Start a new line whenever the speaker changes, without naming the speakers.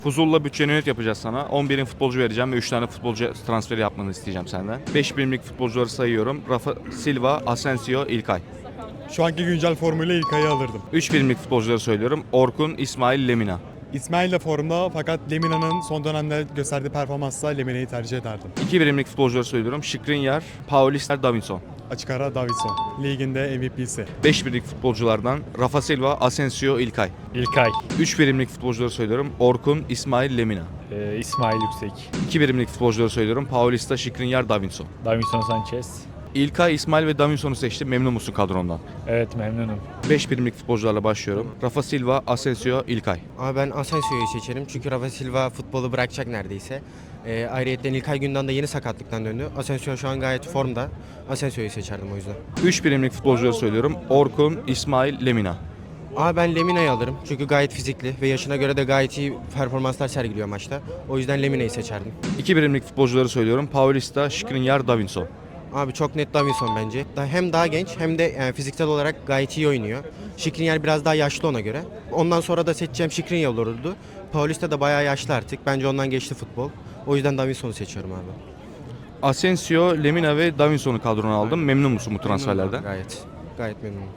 Fuzul'la bütçe yönet yapacağız sana. 11'in futbolcu vereceğim ve 3 tane futbolcu transferi yapmanı isteyeceğim senden. 5 birimlik futbolcuları sayıyorum. Rafa Silva, Asensio, İlkay.
Şu anki güncel formuyla İlkay'ı alırdım.
3 birimlik futbolcuları söylüyorum. Orkun, İsmail, Lemina.
İsmail de formda fakat Lemina'nın son dönemde gösterdiği performansla Lemina'yı tercih ederdim.
2 birimlik futbolcuları söylüyorum. Skriniar, Paulista, Davinson.
Açık ara Davidson. Liginde MVP'si.
5 birimlik futbolculardan Rafa Silva, Asensio, İlkay.
İlkay,
3 birimlik futbolcuları söylüyorum. Orkun, İsmail, Lemina.
İsmail Yüksek,
2 birimlik futbolcuları söylüyorum. Paulista, Skriniar, Davinson.
Davinson Sanchez.
İlkay, İsmail ve Davinson'u seçtim. Memnun musun kadrondan?
Evet, memnunum.
5 birimlik futbolcularla başlıyorum. Rafa Silva, Asensio, İlkay.
Ama ben Asensio'yu seçerim çünkü Rafa Silva futbolu bırakacak neredeyse. Ayrıyeten İlkay Gündoğan da yeni sakatlıktan döndü. Asensio şu an gayet formda. Asensio'yu seçerdim o yüzden.
3 birimlik futbolcuları söylüyorum. Orkun, İsmail, Lemina.
Ama ben Lemina'yı alırım çünkü gayet fizikli ve yaşına göre de gayet iyi performanslar sergiliyor maçta. O yüzden Lemina'yı seçerdim.
2 birimlik futbolcuları söylüyorum. Paulista, Skriniar, Davinson.
Abi çok net Davinson bence. Hem daha genç hem de fiziksel olarak gayet iyi oynuyor. Skriniar biraz daha yaşlı ona göre. Ondan sonra da seçeceğim Skriniar olurdu. Paulista da bayağı yaşlı artık. Bence ondan geçti futbol. O yüzden Davinson'u seçiyorum abi.
Asensio, Lemina ve Davinson'u kadrona aldım. Memnun musun bu transferlerden?
Gayet memnunum.